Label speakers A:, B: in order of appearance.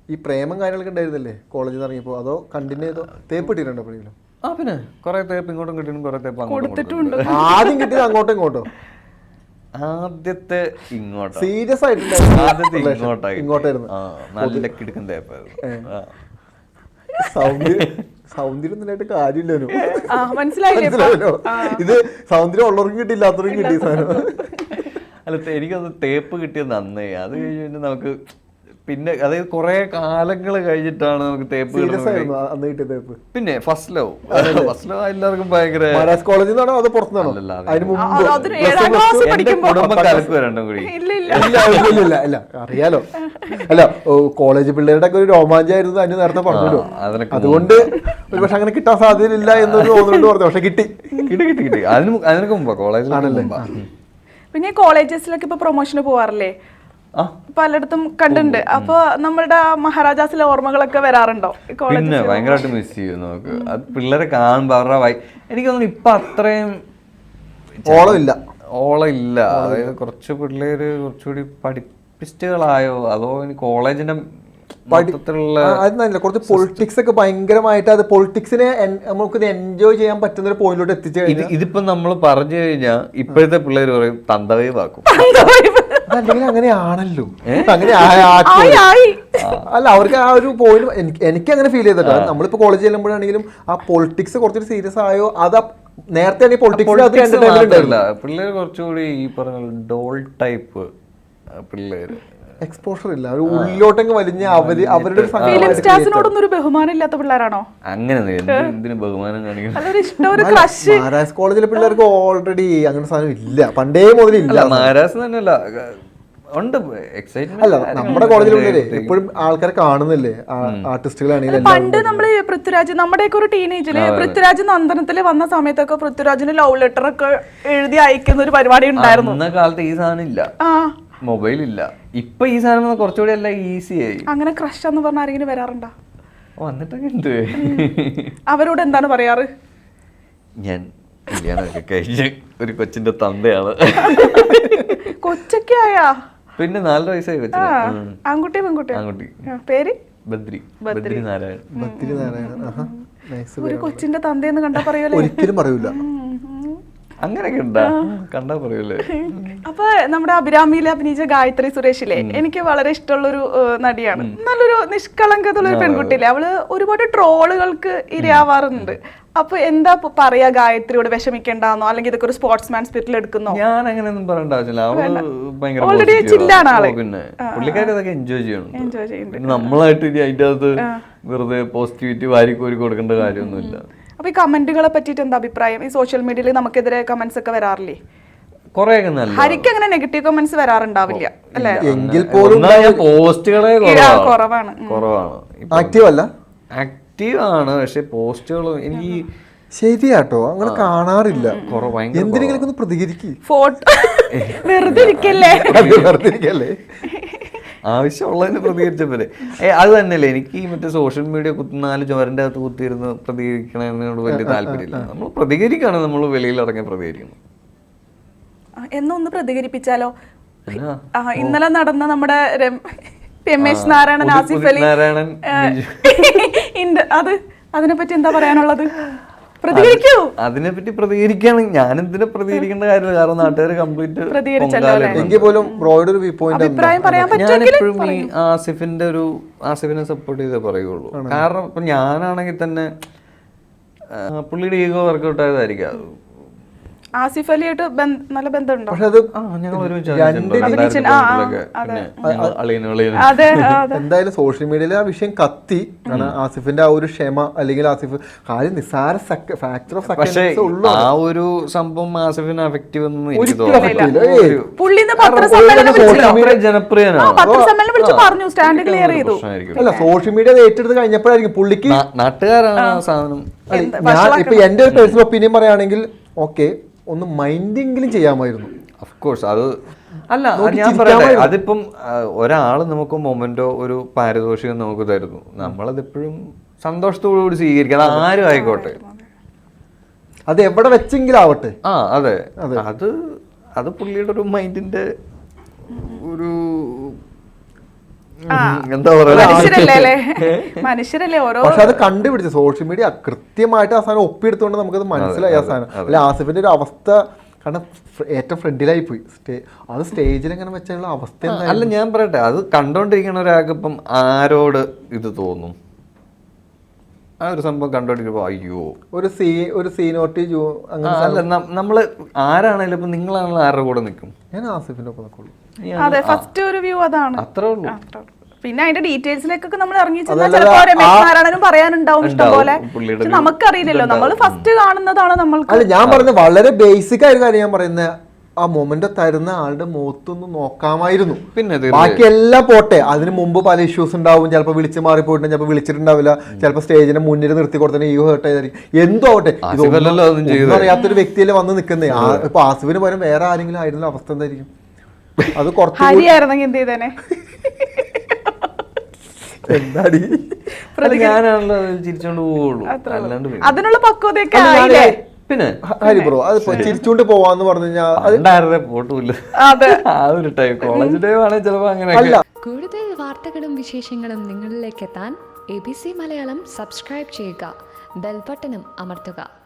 A: ഈ പ്രേമം കാര്യങ്ങളൊക്കെ ഉണ്ടായിരുന്നില്ലേ കോളേജിൽ നിന്ന് ഇറങ്ങിയപ്പോൾ? അതോ കണ്ടിന്യൂ ചെയ്തോ? തേപ്പ് ഇട്ടിട്ടുണ്ടോ എപ്പോഴെങ്കിലും?
B: പിന്നെ കുറെ തേപ്പ് ഇങ്ങോട്ടും കിട്ടിയും കുറെ തേപ്പ് അങ്ങോട്ടും.
A: ആദ്യം കിട്ടിയത് അങ്ങോട്ടും ഇങ്ങോട്ടോ?
B: ആദ്യത്തെ ഇങ്ങോട്ടോ.
A: സീരിയസ്
B: ആദ്യത്തെ
A: ഇങ്ങോട്ടായിരുന്നു.
B: നല്ല കിടക്കൻ തേപ്പായിരുന്നു.
A: സൗന്ദര്യൊന്നുമായിട്ട് കാര്യമില്ലല്ലോ.
C: മനസ്സിലായല്ലോ.
A: ഇത് സൗന്ദര്യം ഉള്ളവർക്കും കിട്ടി, ഇല്ലാത്തവർക്കും കിട്ടി സാധനം.
B: അല്ല, എനിക്കത് തേപ്പ് കിട്ടിയത് നന്നേ. അത് കഴിഞ്ഞിട്ട് നമുക്ക് പിന്നെ അതായത് കുറെ കാലങ്ങൾ കഴിഞ്ഞിട്ടാണ് നമുക്ക് തേപ്പ്. പിന്നെ ഫസ്റ്റ് ലവ് എല്ലാവർക്കും ഭയങ്കര.
A: കോളേജിൽ നിന്നാണോ അതോ പുറത്തുനിന്നാണോ?
B: എന്റെ കുടുംബം കലക്ക് രണ്ടും കൂടി.
A: ഇല്ല അറിയാലോ. അല്ല, കോളേജ് പിള്ളേരുടെ ഒക്കെ ഒരു രോമാഞ്ചായിരുന്നു അതിന് നേരത്തെ പറഞ്ഞല്ലോ. അതുകൊണ്ട് ഒരു പക്ഷെ അങ്ങനെ കിട്ടാൻ സാധ്യതയില്ല എന്നൊരു തോന്നുന്നുണ്ട് പറഞ്ഞു. പക്ഷെ കിട്ടി.
B: അതിനൊക്കെ മുമ്പാ കോളേജിലാണല്ലേ.
C: പിന്നെ കോളേജസിലൊക്കെ ഇപ്പൊ പ്രൊമോഷന് പോവാറില്ലേ? പലയിടത്തും കണ്ടിട്ടുണ്ട്. അപ്പൊ നമ്മളുടെ മഹാരാജാസിലെ ഓർമ്മകളൊക്കെ വരാറുണ്ടോ?
B: പിന്നെ ഭയങ്കരമായിട്ട് മിസ് ചെയ്യും നമുക്ക്. അത് പിള്ളേരെ കാണുമ്പോ അവരുടെ എനിക്ക് തോന്നുന്നു ഇപ്പൊ അത്രയും ഓളം ഇല്ല. അതായത് കുറച്ച് പിള്ളേര് കുറച്ചുകൂടി പഠിപ്പിസ്റ്റുകളായോ അതോ ഇനി കോളേജിന്റെ
A: കുറച്ച് പൊളിറ്റിക്സ് ഒക്കെ ഭയങ്കരമായിട്ട് അത് പൊളിറ്റിക്സിനെ നമുക്ക് എൻജോയ് ചെയ്യാൻ പറ്റുന്ന ഒരു പോയിന്റിലോട്ട് എത്തിച്ചു.
B: ഇതിപ്പോ നമ്മൾ പറഞ്ഞു കഴിഞ്ഞാൽ ഇപ്പോഴത്തെ പിള്ളേർ പറയും തന്തവൈവാക്കും.
A: അല്ലെങ്കിൽ അങ്ങനെയാണല്ലോ, അങ്ങനെ അല്ല അവർക്ക് ആ ഒരു പോയിന്റ് എനിക്ക് അങ്ങനെ ഫീൽ ചെയ്തിട്ടോ. നമ്മളിപ്പോ കോളേജ് ചെല്ലുമ്പോഴാണെങ്കിലും ആ പൊളിറ്റിക്സ് കുറച്ചൊരു സീരിയസ് ആയോ അത് നേരത്തെ
B: പിള്ളേർ കുറച്ചുകൂടി ഈ പറഞ്ഞ ഡോൾ ടൈപ്പ് പിള്ളേര്.
A: എക്സ്പോഷർ ഇല്ല, ഒരു ഉള്ളിലോട്ടങ്ങ് വലിഞ്ഞ അവരുടെ
C: ഒരു ബഹുമാനം ഇല്ലാത്ത പിള്ളേരാണോ?
B: അങ്ങനെ എന്തിനു ബഹുമാനം കാണിക്കണം?
A: മഹാരാജ് കോളേജിലെ പിള്ളേർക്ക് ഓൾറെഡി അങ്ങനെ സാധനം ഇല്ല, പണ്ടേ മുതലില്ല.
B: മഹാരാജ് തന്നെയല്ല ഉണ്ട് എക്സൈറ്റ്മെന്റ്.
A: അല്ല, നമ്മുടെ കോളേജിലുള്ളവരെ എപ്പോഴും ആൾക്കാരെ കാണുന്നില്ലേ ആർട്ടിസ്റ്റുകളാണെങ്കിലും.
C: പണ്ട് നമ്മള് പൃഥ്വിരാജ്, നമ്മുടെയൊക്കെ ഒരു ടീനേജില് പൃഥ്വിരാജ് നന്ദനത്തില് വന്ന സമയത്തൊക്കെ പൃഥ്വിരാജിന് ലവ് ലെറ്റർ ഒക്കെ എഴുതി അയക്കുന്ന ഒരു പരിപാടി ഉണ്ടായിരുന്നു.
B: അന്ന കാലത്ത് ഈ സാധനം ഇല്ല, മൊബൈൽ ഇല്ല. ഇപ്പൊ ഈ സാധനം കുറച്ചുകൂടി എല്ലാം ഈസി ആയി.
C: അങ്ങനെ ക്രഷ് എന്ന് പറഞ്ഞ ആരെങ്കിലും വരാറുണ്ടോ?
B: വന്നിട്ടൊക്കെ ഉണ്ട്.
C: അവരോട് എന്താണ് പറയാറ്?
B: ഞാൻ കല്യാണമൊക്കെ കഴിഞ്ഞ് ഒരു കൊച്ചിന്റെ തന്തയാണ്.
C: കൊച്ചൊക്കെ ആയാ?
B: പിന്നെ 4 വയസ്സായി കൊച്ചിന്.
C: ആൺകുട്ടി പെൺകുട്ടി?
B: ആൺകുട്ടി.
C: പേര്
B: ബദ്രി നാരായണൻ.
C: ഒരു കൊച്ചിന്റെ തന്തയെന്ന് കണ്ടാ പറയൂലേ?
A: ഒരിക്കലും പറയൂല.
B: അങ്ങനെയൊക്കെ ഉണ്ടാ കണ്ടാ പറയൂലേ?
C: അപ്പൊ നമ്മുടെ അഭിരാമിയിലെ അഭിനയിച്ച ഗായത്രി സുരേഷിലെ എനിക്ക് വളരെ ഇഷ്ടമുള്ളൊരു നടിയാണ്. നല്ലൊരു നിഷ്കളങ്കതുള്ള ഒരു പെൺകുട്ടിയില്ലേ? അവള് ഒരുപാട് ട്രോളുകൾക്ക് ഇരയാവാറുണ്ട്. അപ്പൊ എന്താ പറയാ ഗായത്രിയോട്? വിഷമിക്കണ്ടെന്നോ അല്ലെങ്കിൽ ഇതൊക്കെ ഒരു സ്പോർട്സ്മാൻ സ്പിരിറ്റിൽ എടുക്കുന്നോ?
B: ഞാൻ അങ്ങനെയൊന്നും പറയേണ്ട ആവശ്യമില്ല.
C: ഓൾറെഡി ചില്ലാണ് ആള്.
B: പിന്നെ പുള്ളിക്കാരി അതൊക്കെ എൻജോയ് ചെയ്യണം. നമ്മളായിട്ട് ഇനി അതിന്റെ അകത്ത് വെറുതെ പോസിറ്റിവിറ്റി വാരിക്കോരി കൊടുക്കേണ്ട കാര്യമൊന്നുമില്ല.
C: അപ്പൊ ഈ കമന്റുകളെ പറ്റിയിട്ട് എന്താ അഭിപ്രായം? ഈ സോഷ്യൽ മീഡിയയിൽ നമുക്കെതിരെ കമന്റ്സ് ഒക്കെ വരാറില്ലേ?
B: കൊറേയൊക്കെ നല്ല.
C: ഹരിക്ക് അങ്ങനെ നെഗറ്റീവ് കമന്റ്സ് വരാറുണ്ടാവില്ല അല്ലേ?
A: എങ്കിൽ പോലും
B: പോസ്റ്റുകളെ
C: കുറവാണ്.
A: ആക്റ്റീവ് അല്ല,
B: ആക്റ്റീവ് ആണ്. പക്ഷെ പോസ്റ്റുകൾ എനിക്ക്
A: ശരിയാട്ടോ അങ്ങനെ കാണാറില്ല. എന്തിനെങ്കിലും ഒന്ന് പ്രതികരിക്കും.
C: ഫോട്ടോ വെറുതെ ഇരിക്കല്ലേ?
B: ആവശ്യമുള്ളതിന് പ്രതികരിച്ച പോലെ. അത് തന്നെയല്ലേ എനിക്ക് മറ്റേ സോഷ്യൽ മീഡിയ 4 ചുവരൻ്റെ അകത്ത് കുത്തിയിരുന്ന് പ്രതികരിക്കണതിനോട് വലിയ താല്പര്യമില്ല. നമ്മൾ പ്രതികരിക്കുകയാണ്, നമ്മൾ വെളിയിൽ ഇറങ്ങി പ്രതികരിക്കുന്നു.
C: എന്നൊന്ന് പ്രതികരിപ്പിച്ചാലോ? ഇന്നലെ നടന്ന നമ്മുടെ രമേശ് നാരായണൻ, ആസിഫ് അലി, അത് അതിനെപ്പറ്റി എന്താ പറയാനുള്ളത്? പ്രതികരിക്കൂ.
B: അതിനെപ്പറ്റി പ്രതികരിക്കുകയാണെങ്കിൽ ഞാൻ എന്തിനാ പ്രതികരിക്കേണ്ട കാര്യമില്ല. കാരണം നാട്ടുകാർ കംപ്ലീറ്റ് ഞാനെപ്പോഴും ഈ ആസിഫിനെ സപ്പോർട്ട് ചെയ്തേ പറയുള്ളൂ. കാരണം ഇപ്പൊ ഞാനാണെങ്കിൽ തന്നെ പുള്ളിയുടെ ഈഗോ വർക്കൗട്ട് ആയതായിരിക്കും.
C: ആസിഫ് അലിയായിട്ട് നല്ല ബന്ധമുണ്ടോ?
A: എന്തായാലും സോഷ്യൽ മീഡിയയിൽ ആ വിഷയം കത്തി. ആസിഫിന്റെ ആ ഒരു ക്ഷമ അല്ലെങ്കിൽ ആസിഫ് കാര്യം നിസ്സാര ഫാക്ടർ ഓഫ് സെക്കൻഡ്സ് ഉള്ളൂ.
B: ആ ഒരു സംഭവം ആസിഫിന് അഫക്റ്റീവ് ഒന്നും
A: അല്ല, സോഷ്യൽ മീഡിയ ഏറ്റെടുത്ത് കഴിഞ്ഞപ്പോഴായിരിക്കും പുള്ളിക്ക്
B: നാട്ടുകാരാണ് ആ സാധനം.
A: ഇപ്പൊ എന്റെ ഒരു പേഴ്സണൽ ഒപ്പീനിയൻ പറയുകയാണെങ്കിൽ ഓക്കെ, ഒന്ന് മൈൻഡെങ്കിലും ചെയ്യാമായിരുന്നു.
B: ഓഫ്കോഴ്സ് അത് അല്ല, ഞാൻ പറയട്ടെ, അതിപ്പം ഒരാൾ നമുക്ക് മൊമെന്റോ ഒരു പാരിതോഷികം നമുക്ക് തരുന്നു, നമ്മളതെപ്പോഴും സന്തോഷത്തോടുകൂടി സ്വീകരിക്കണം. അത് ആരും ആയിക്കോട്ടെ,
A: അത് എവിടെ വെച്ചെങ്കിലും ആവട്ടെ.
B: അതെ, അത് പുള്ളിയുടെ ഒരു മൈൻഡിന്റെ ഒരു എന്താ പറയാ,
C: മനുഷ്യരല്ലേ ഓരോ.
A: പക്ഷെ അത് കണ്ടുപിടിച്ചു സോഷ്യൽ മീഡിയ കൃത്യമായിട്ട് ആ സാധനം ഒപ്പിയെടുത്തോണ്ട് നമുക്കത് മനസ്സിലായി ആ സാധനം. അല്ല ആസിഫിന്റെ ഒരു അവസ്ഥ കാരണം ഏറ്റവും ഫ്രണ്ടിലായി പോയി. അത് സ്റ്റേജിൽ എങ്ങനെ വെച്ചുള്ള അവസ്ഥ.
B: അല്ല ഞാൻ പറയട്ടെ, അത് കണ്ടോണ്ടിരിക്കുന്ന ഒരാൾക്ക് ഇപ്പം ആരോട് ഇത് തോന്നും? ആ ഒരു സംഭവം കണ്ടോണ്ടിരിക്കുമ്പോ അയ്യോ
A: ഒരു സീനോട്ടി
B: അല്ല, നമ്മള് ആരാണേലും ഇപ്പൊ നിങ്ങളാണല്ലോ ആരുടെ കൂടെ നിൽക്കും?
A: ഞാൻ ആസിഫിന്റെ ഒപ്പം നിൽക്കുള്ളൂ.
C: അതെ, ഫസ്റ്റ് ഒരു വ്യൂ അതാണ്.
B: അത്രേ ഉള്ളൂ.
C: പിന്നെ അതിന്റെ ഡീറ്റെയിൽസിലേക്കൊക്കെ നമ്മൾ ഇറങ്ങി ചെന്നാൽ ചിലപ്പോ രമേശ് നാരായണനും പറയാനുണ്ടാവും ഇഷ്ടം പോലെ. പക്ഷെ നമുക്കറിയില്ലല്ലോ, നമ്മൾ ഫസ്റ്റ് കാണുന്നതാണ് നമ്മൾക്ക്.
A: അല്ല ഞാൻ പറയുന്നത് വളരെ ബേസിക് ആയ കാര്യം ഞാൻ പറയുന്നത്, ആ മൊമെന്റ് തരുന്ന ആളുടെ മുഖത്തൊന്ന് നോക്കാമായിരുന്നു.
B: പിന്നെ
A: ബാക്കി എല്ലാം പോട്ടെ, അതിന് മുമ്പ് പല ഇഷ്യൂസ് ഉണ്ടാവും. ചിലപ്പോൾ വിളിച്ച് മാറിപ്പോയിട്ടുണ്ട്, ചിലപ്പോൾ വിളിച്ചിട്ടുണ്ടാവില്ല, ചിലപ്പോൾ സ്റ്റേജിന്റെ മുന്നിൽ നിർത്തി കൊടുത്തതിന് ഈഗോ ഹേർട്ട് ആയിരിക്കും. എന്തോ ആവട്ടെ, ഇതൊന്നും അറിയാത്തൊരു വ്യക്തിയല്ലേ വന്ന് നിൽക്കുന്നേ. ഇപ്പൊ ആസിഫിന് പകരം വേറെ ആരെങ്കിലും ആയിരുന്ന അവസ്ഥ എന്തായിരിക്കും? അത് കുറച്ച്
C: ഹരിയായിരുന്നെങ്കിൽ എന്ത് ചെയ്തേനെ?
A: എന്താടി
B: ഞാനാണല്ലോ ചിരിച്ചോണ്ട് പോവുള്ളൂ, അല്ലാണ്ട്
C: അതിനുള്ള പക്വതയൊക്കെ ആയില്ലേ?
B: പിന്നെ
A: ഹരി ബ്രോ അത് ചിരിച്ചോണ്ട് പോവാന്ന് പറഞ്ഞു കഴിഞ്ഞാൽ
B: പോട്ടില്ല. ആ ഒരു ടൈം കോളേജ് ടൈം ആണെങ്കിൽ ചിലപ്പോ അങ്ങനെ.
D: കൂടുതൽ വാർത്തകളും വിശേഷങ്ങളും നിങ്ങളിലേക്ക് എത്താൻ ABC മലയാളം സബ്സ്ക്രൈബ് ചെയ്യുക, ബെൽ ബട്ടണും അമർത്തുക.